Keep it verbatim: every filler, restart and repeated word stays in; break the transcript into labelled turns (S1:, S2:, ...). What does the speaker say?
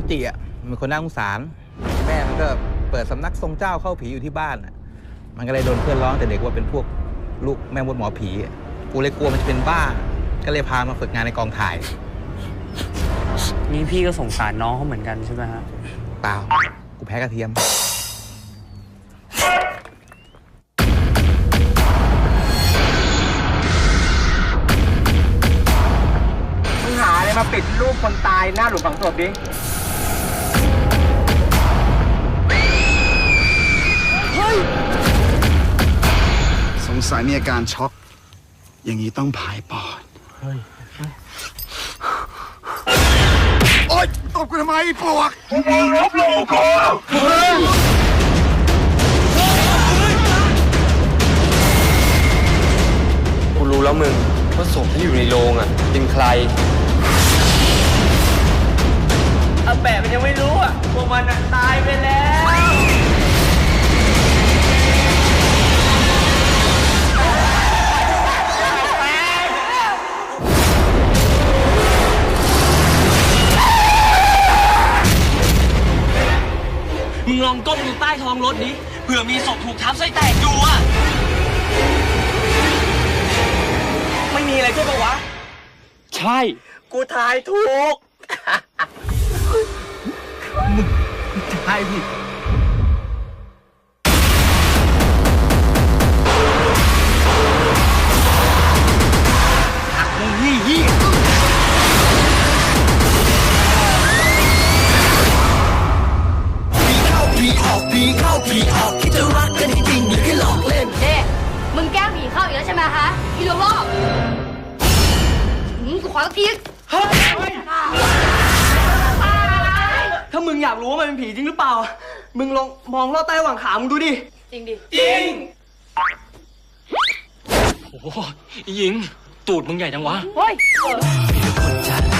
S1: องจีอ่ะมันคนน่าสงสารแม่มันก็เปิดสำนักทรงเจ้าเข้าผีอยู่ที่บ้านอ่ะมันก็เลยโดนเพื่อนร้องแต่เด็กว่าเป็นพวกลูกแม่มดหมอผีกูเลยกลัวมันจะเป็นบ้าก็เลยพามาฝึกงานในกองถ่าย
S2: นี่พี่ก็สงสารน้องเขาเหมือนกันใช่ไหมฮะ
S1: เปล่ากูแพ้กระเทียม
S3: มึงหาอะไรมาปิดรูปคนตายหน้าหลุมฝังศพดิ
S4: เฮ้ยสงสัยมีอาการช็อกอย่างนี้ต้องผายปอดเฮ้ยโอ๊ยตบกูทำไมปวกมึงรับลูกกู
S5: กูรู้แล้วมึงว่าศพที่อยู่ในโรงอ่ะเป็นใครอาแปะมันยังไม่รู้อ่ะพวกมันตายไปแล้วมึงลองก้มดูใต้ท้องรถดิเผื่อมีศพถูกทับไส้แตกอยู่อ่ะไม่มีอะไรใช่ปะวะใช่กูทายถูก
S1: มึงทายผิดหักมึงยี่ยี่
S6: ผีออกผีเข้าผีออกคิดจะรักกันจริงๆนี่แค่หลอกเล่น
S7: เด้มึงแกล้งผีเข้าอีกแล้วใช่ไหมฮะอีลูกโลกกูขอสักที
S5: เฮ้ยถ้ามึงอยากรู้ว่ามันเป็นผีจริงหรือเปล่ามึงลองมองลอดใต้หว่างขามึงดูดิ
S7: จริงดิ
S5: จริงโอ้โหหญิงตูดมึงใหญ่จังวะ
S7: เฮ้ย